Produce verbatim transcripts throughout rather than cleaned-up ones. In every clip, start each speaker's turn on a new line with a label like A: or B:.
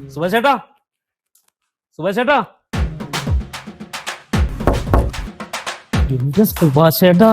A: സുഭാഷേട്ടാ, സുഭാഷേട്ടാ, എന്റെ സുഭാഷേട്ടാ,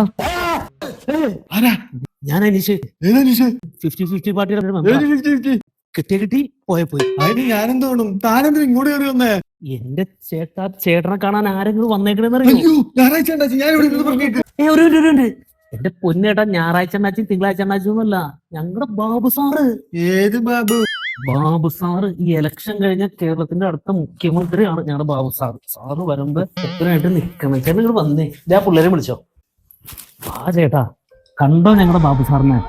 A: ഞാൻ Aneesh. Fifty fifty പാർട്ടിയുടെ കിട്ടിയ കിട്ടി പോയ പോയി.
B: അതിന് ഞാനെന്ത് വേണം? താനെന്തിനും ഇങ്ങോട്ട് കയറി വന്നേ?
A: എന്റെ ചേട്ടാ, ചേട്ടനെ കാണാൻ ആരെങ്കിലും വന്നേക്കണെന്ന് അറിയോ?
B: ഞായറാഴ്ച ഉണ്ടാച്ചു ഞാൻ ഇവിടെ പറഞ്ഞിട്ട്.
A: ഏ ഒരു ഒരു ഉണ്ട്. എന്റെ പൊന്നേട്ടാ, ഞായറാഴ്ച ഉണ്ടാച്ചും തിങ്കളാഴ്ച ഉണ്ടാച്ചൊന്നുമല്ല, ഞങ്ങളുടെ ബാബു സാറ്.
B: ഏത് ബാബു?
A: ബാബു സാറ് ഈ ഇലക്ഷൻ കഴിഞ്ഞ കേരളത്തിന്റെ അടുത്ത മുഖ്യമന്ത്രിയാണ് ഞങ്ങളുടെ ബാബു സാറ്. സാറ് വരുമ്പോ എത്രയായിട്ട് നിക്കണം. ചേട്ടൻ നിങ്ങൾ വന്നേ, ഞാൻ പിള്ളേരെ വിളിച്ചോ. ആ ചേട്ടാ, കണ്ടോ ഞങ്ങളുടെ ബാബു സാറിനെ?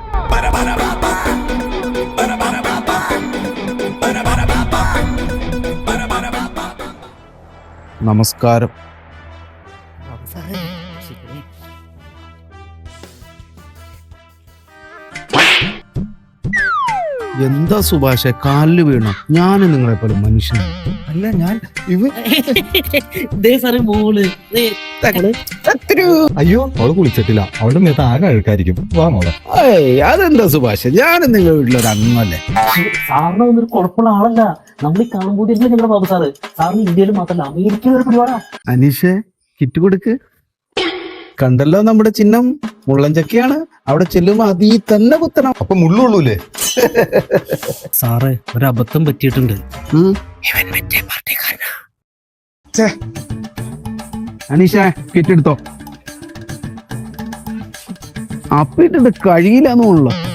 B: നമസ്കാരം. എന്താ സുഭാഷെ, കാലില് വീണ? ഞാൻ നിങ്ങളെ പോലെ മനുഷ്യൻ അല്ല. ഞാൻ
A: മോള്
B: അയ്യോ, അവള് കുളിച്ചിട്ടില്ല. അവളുടെ മേത്ത് ആകെ അഴുക്കായിരിക്കും. വാ മോളെ. അതെന്താ സുഭാഷ്, ഞാൻ നിങ്ങളുടെ വീട്ടിലൊരു അംഗമല്ലേ?
A: സാറിന് ഒന്നൊരു കുഴപ്പമുള്ള ആളല്ല. നമ്മൾ ഈ കാണുമ്പോൾ ഞങ്ങളുടെ ബാബു സാറ്. സാറിന് ഇന്ത്യയിൽ മാത്രമല്ല അമേരിക്കയിൽ ഒരു പരിപാടാ.
B: അനീഷേ, കിറ്റ് കൊടുക്ക്. കണ്ടല്ലോ നമ്മുടെ ചിഹ്നം മുള്ളൻചക്കയാണ്. അവിടെ ചെല്ലുമ്പോ അതീ തന്നെ കുത്തണം. അപ്പൊ മുള്ളുള്ളൂലേ?
A: സാറേ, ഒരു അബദ്ധം പറ്റിയിട്ടുണ്ട്.
B: അനീഷ, കിറ്റ് എടുത്തോ. അപ്പിട്ടിട്ട് കഴിയില്ലെന്നുള്ളു.